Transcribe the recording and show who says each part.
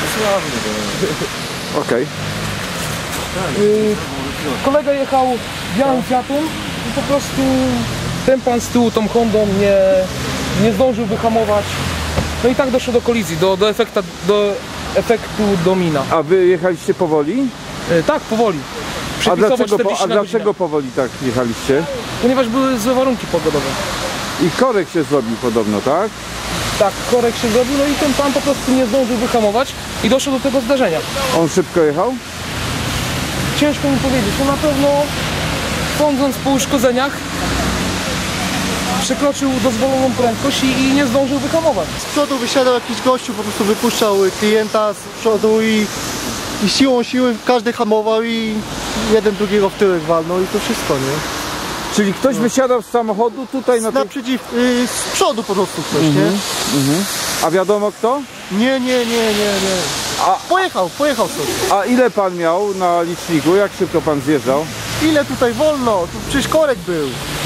Speaker 1: Okej.
Speaker 2: Kolega jechał białym Fiatem i po prostu ten pan z tyłu tą Hondą nie zdążył wyhamować. No i tak doszło do kolizji, do efektu domina.
Speaker 1: A wy jechaliście powoli?
Speaker 2: Tak, powoli.
Speaker 1: A dlaczego,
Speaker 2: 40 na godzinę.
Speaker 1: powoli tak jechaliście?
Speaker 2: Ponieważ były złe warunki pogodowe.
Speaker 1: I korek się zrobił podobno, tak?
Speaker 2: Tak, korek się zrobił, no i ten pan po prostu nie zdążył wyhamować i doszło do tego zdarzenia.
Speaker 1: On szybko jechał?
Speaker 2: Ciężko mi powiedzieć, no na pewno sądząc po uszkodzeniach przekroczył dozwoloną prędkość i nie zdążył wyhamować.
Speaker 3: Z przodu wysiadał jakiś gościu, po prostu wypuszczał klienta z przodu i siłą siły każdy hamował i jeden drugiego w tyłek walnął i to wszystko, nie?
Speaker 1: Czyli ktoś wysiadał z samochodu tutaj na tej...
Speaker 3: z przodu po prostu ktoś, nie?
Speaker 1: A wiadomo kto?
Speaker 3: Nie. Pojechał sobie.
Speaker 1: A ile pan miał na liczniku? Jak szybko pan zjeżdżał?
Speaker 3: Ile tutaj wolno? Tu przecież korek był.